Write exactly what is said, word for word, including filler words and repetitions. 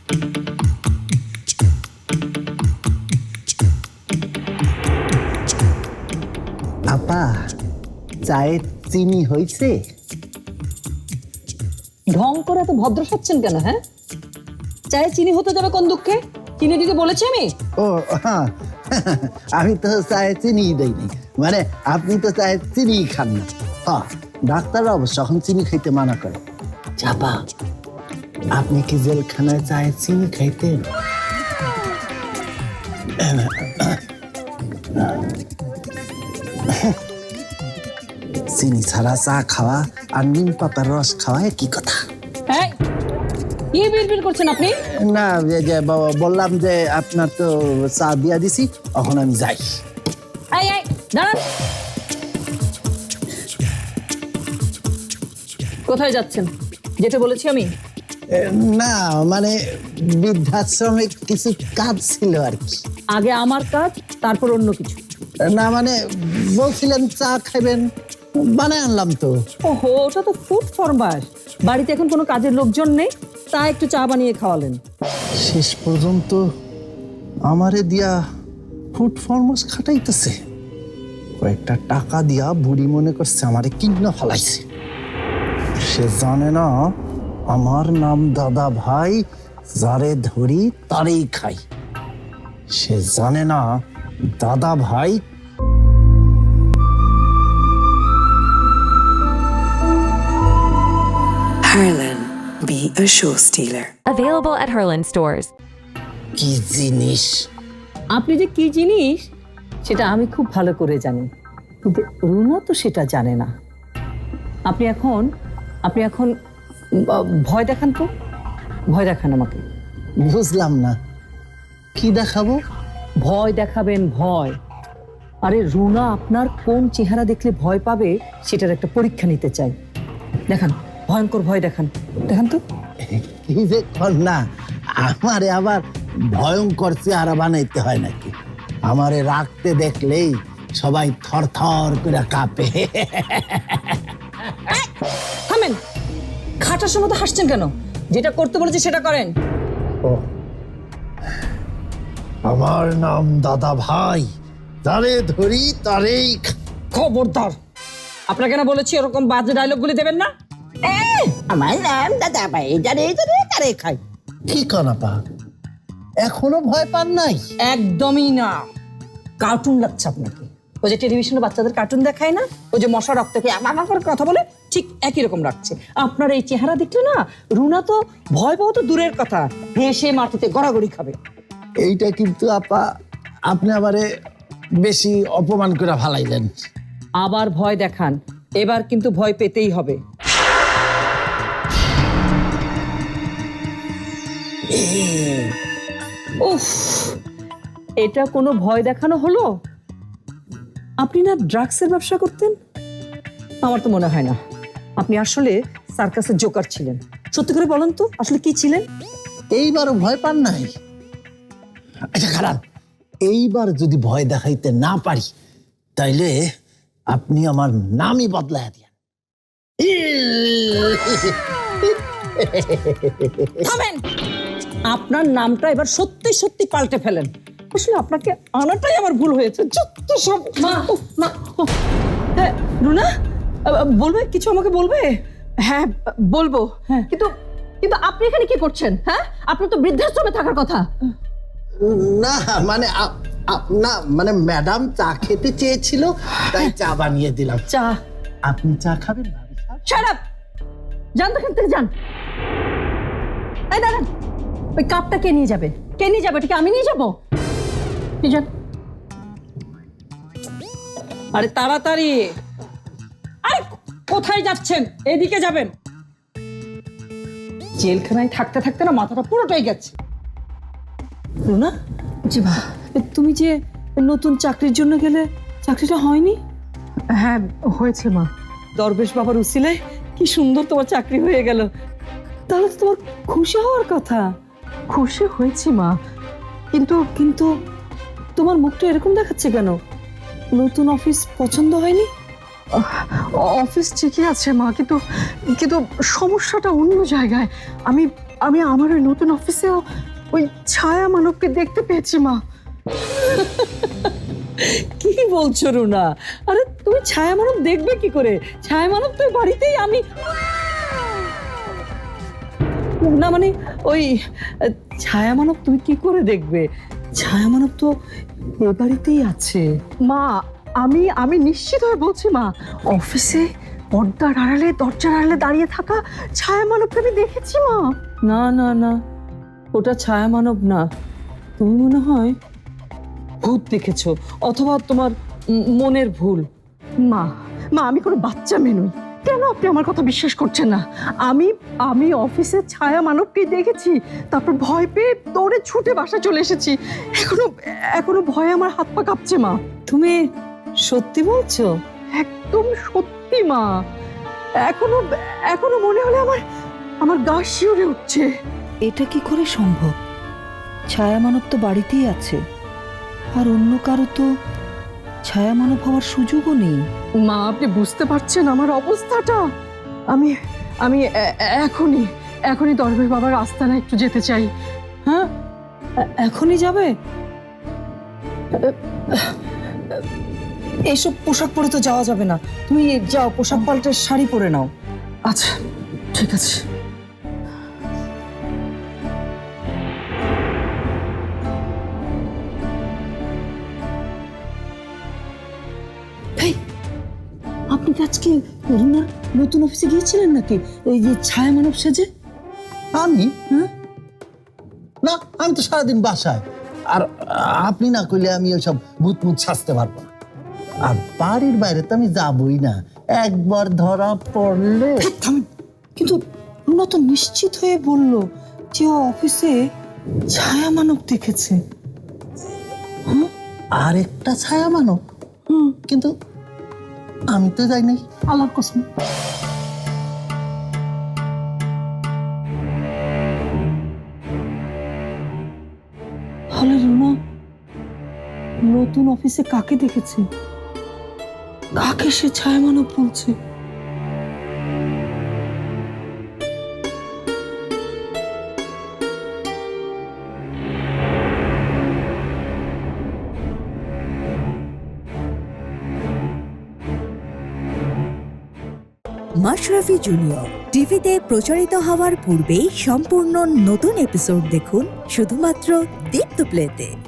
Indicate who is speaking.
Speaker 1: আপা, চায়ে চিনি হয়েছে?
Speaker 2: ঢং করে এত ভদ্র সাচ্ছেন কেন? হ্যাঁ, চায়ে চিনি হতে যাবে কোন দুঃখে? চিনি দিতে বলেছি আমি?
Speaker 1: ও হ্যাঁ, আমি তো চায়ে চিনি দেইনি, মানে আপনি তো চায়ে চিনি খান না। হ্যাঁ, ডাক্তাররা অবশ্য এখন চিনি খাইতে মানা করে। চাপা, আপনি কি জেলখানায় চায়ে চিনি খাইতেন? চিনি ছাড়া চা খাওয়া আর নিম পাতার রস খাওয়া কি কথা?
Speaker 2: হ্যাঁ, কি বিড়বিড় করছেন আপনি?
Speaker 1: না, যে যে বাবা বললাম যে আপনার তো চা দিয়া দিছি, এখন আমি যাই।
Speaker 2: এই এই দাঁড়ান। কোথায় যাচ্ছেন? যেতে বলেছি আমি।
Speaker 1: এ, না মানে বৃদ্ধাশ্রমে কিছু কাজ ছিল আর কি।
Speaker 2: আগে আমার কাজ, তারপর অন্য কিছু।
Speaker 1: না মানে বলছিলেন চা খাবেন, বানায় আনলাম তো।
Speaker 2: ওহো, ওটা তো ফুড ফরমার। বাড়িতে এখন কোনো কাজের লোকজন নেই, তা একটু চা বানিয়ে খাওয়ালেন।
Speaker 1: শেষ পর্যন্ত আমারে দিয়া ফুড ফরমাস খাটাইতেছে। কয়েকটা টাকা দিয়া বুড়ি মনে করছে আমারে কিন্ন ফলাইছে। সে জানে না আমার নাম দাদা ভাই, যারে ধরি তারেই খাই। সে জানে না দাদা ভাই
Speaker 3: Harlan, be a show stealer.
Speaker 4: Available at Herland stores.
Speaker 1: কি জিনিস।
Speaker 2: আপনি যে কি জিনিস সেটা আমি খুব ভালো করে জানি, কিন্তু রুনা তো সেটা জানে না। আপনি এখন আপনি এখন আহ, ভয় দেখান তো, ভয় দেখান আমাকে।
Speaker 1: বুঝলাম না, কি দেখাবো?
Speaker 2: ভয় দেখাবেন, ভয়। আরে রুনা আপনার কোন চেহারা দেখলে ভয় পাবে সেটার একটা পরীক্ষা নিতে চাই। দেখান, ভয়ঙ্কর ভয় দেখান, দেখান তো।
Speaker 1: কি যে কর না, আমারে আবার ভয়ঙ্কর চেহারা বানাইতে হয় নাকি? আমারে রাখতে দেখলেই সবাই থর থর করে কাঁপে।
Speaker 2: থামেন, খাটার সময় তো হাসছেন কেন? যেটা করতে বলেছি সেটা করেন।
Speaker 1: ও, আমার নাম দাদা ভাই, যারে ধরি তারেই খা-
Speaker 2: খবরদার, আপনাকে কেন বলেছি এরকম বাজে ডায়লগগুলি দেবেন না। আমার নাম দাদা ভাই, জানে জানে তারে খাই।
Speaker 1: কি কানাপা, এখনো ভয় পান নাই?
Speaker 2: একদমই না, কার্টুন লাগছে আপনাকে। ওই যে টেলিভিশনে বাচ্চাদের কার্টুন দেখায় না, ওই যে মশা রক্ত খেয়ে আমা আমা করে কথা বলে, ঠিক একই রকম লাগছে আপনার এই চেহারা দেখলে না। রুনা তো ভয় পাওয়া তো দূরের কথা, হেসে মাটিতে গড়াগড়ি খাবে।
Speaker 1: এইটা কিন্তু আপা আপনি আমারে বেশি অপমান করে ফালাইলেন।
Speaker 2: আবার ভয় দেখান, এবার কিন্তু ভয় পেতেই হবে। উফ, এটা কোনো ভয় দেখানো হলো? আপনি না ড্রাগসের ব্যবসা করতেন? আমার তো মনে হয় না। আপনি আসলে সার্কাসের জোকার ছিলেন। সত্যি করে বলেন তো, আসলে কি ছিলেন?
Speaker 1: এইবারও ভয় পান নাই? আচ্ছা খারাপ, এইবার যদি ভয় দেখাইতে না পারি তাইলে আপনি আমার নামই বদলায় দিয়েন।
Speaker 2: থামেন, আপনার নামটা এবার সত্যি সত্যি পাল্টে ফেলেন। আসলে আপনাকে আনাটাই আমার ভুল হয়েছে। যত সব মা মা হ্যাঁ, রুনা বলবে কিছু, আমাকে বলবে?
Speaker 5: হ্যাঁ বলবো, কিন্তু কিন্তু আপনি এখানে কি করছেন? হ্যাঁ, আপনি তো বৃদ্ধাশ্রমে থাকার কথা।
Speaker 1: না মানে আপ- আপ- না মানে ম্যাডাম চা খেতে চেয়েছিল, তাই চা বানিয়ে দিলাম।
Speaker 2: চা?
Speaker 1: আপনি চা খাবেন ভাবি সাহেব?
Speaker 5: শাট আপ, যান তো এখান থেকে যান। এই দাঁড়ান, ওই কাপটা কে নিয়ে যাবে? কে নিয়ে যাবে? ঠিক আমি নিয়ে যাবো? নিয়ে যান।
Speaker 2: আরে তাড়াতাড়ি, আরে কোথায় যাচ্ছেন? এদিকে যাবেন। জেলখানায় থাকতে থাকতে না মাথাটা পুরোটাই গেছে। রুনা,
Speaker 5: জি মা।
Speaker 2: তুমি যে নতুন চাকরির জন্য গেলে, চাকরিটা হয়নি?
Speaker 5: হ্যাঁ হয়েছে মা।
Speaker 2: দরবেশ বাবার উসিলায় কি সুন্দর তোমার চাকরি হয়ে গেল। তাহলে তো তোমার খুশি হওয়ার কথা।
Speaker 5: খুশি হয়েছি মা, কিন্তু
Speaker 2: কিন্তু তোমার মুখটা এরকম দেখাচ্ছে কেন? নতুন অফিস পছন্দ হয়নি?
Speaker 5: অফিস ঠিকই আছে মা, কিন্তু কিন্তু সমস্যাটা অন্য জায়গায়। আমি আমি আমার ওই নতুন অফিসেও ওই ছায়া মানবকে দেখতে পেয়েছি মা।
Speaker 2: কি বলছো রুনা? আরে তুমি ছায়া মানব দেখবে কি করে? ছায়া মানব তো বাড়িতেই, আমি না মানে ওই আহ, ছায়া মানব তুমি কি করে দেখবে? ছায়া মানব তো এ বাড়িতেই আছে।
Speaker 5: মা আমি আমি নিশ্চিত হয়ে বলছি মা, অফিসে পর্দার আড়ালে দরজার আড়ালে দাঁড়িয়ে থাকা ছায়া মানবকে আমি দেখেছি মা।
Speaker 2: না না না, ওটা ছায়া মানব না, তুমি মনে হয় ভূত দেখেছো, অথবা তোমার উম, মনের ভুল।
Speaker 5: মা মা আমি কোনো বাচ্চা মেয়ে নই, কেন আপনি আমার কথা বিশ্বাস করছেন না? আমি আমি অফিসে ছায়া মানবকে দেখেছি, তারপর ভয় পেয়ে দৌড়ে ছুটে বাসা চলে এসেছি। এখনো এখনো ভয়ে আমার হাত পা কাঁপছে মা।
Speaker 2: তুমি সত্যি বলছো?
Speaker 5: একদম সত্যি মা, এখনো এখনো মনে হলে আমার আমার গা শিউরে উঠছে।
Speaker 2: এটা কি করে সম্ভব? ছায়া মানব তো বাড়িতেই আছে, আর অন্য কারো তো ছায়া মানব হওয়ার সুযোগও নেই।
Speaker 5: মা আপনি বুঝতে পারছেন আমার অবস্থাটা? আমি আমি এ- এ- এখনই এখনই দরবেশ বাবার আস্তানায় একটু যেতে চাই।
Speaker 2: হ্যাঁ, এ- এখনই যাবে? এইসব পোশাক পরে তো যাওয়া যাবে না, তুমি যাও পোশাক পাল্টে শাড়ি পরে নাও।
Speaker 5: আচ্ছা ঠিক আছে।
Speaker 2: এই, আপনি কি আজকে রুনার নতুন অফিসে গিয়েছিলেন নাকি, এই যে ছায়া মানব সেজে?
Speaker 1: আমি
Speaker 2: হ্যাঁ,
Speaker 1: না, আমি তো সারাদিন বাসায়। আর আপনি না কইলে আমি ওইসব ভূত মুত সাজতে পারবো না। আর বাড়ির বাইরে তো আমি যাবই না, একবার ধরা পড়লে।
Speaker 2: থামেন, কিন্তু রুনা তো নিশ্চিত হয়ে বলল যে ও অফিসে ছায়া মানব দেখেছে।
Speaker 1: আর একটা ছায়া মানব, কিন্তু আমি তো যাই নাই, আল্লাহর কসম।
Speaker 2: তাহলে রুনা নতুন অফিসে কাকে দেখেছে, কাকে সে ছায়া মানব বলছে?
Speaker 6: মাশরাফি জুনিয়র টিভিতে প্রচারিত হওয়ার পূর্বেই সম্পূর্ণ নতুন এপিসোড দেখুন শুধুমাত্র দীপ্ত প্লেতে।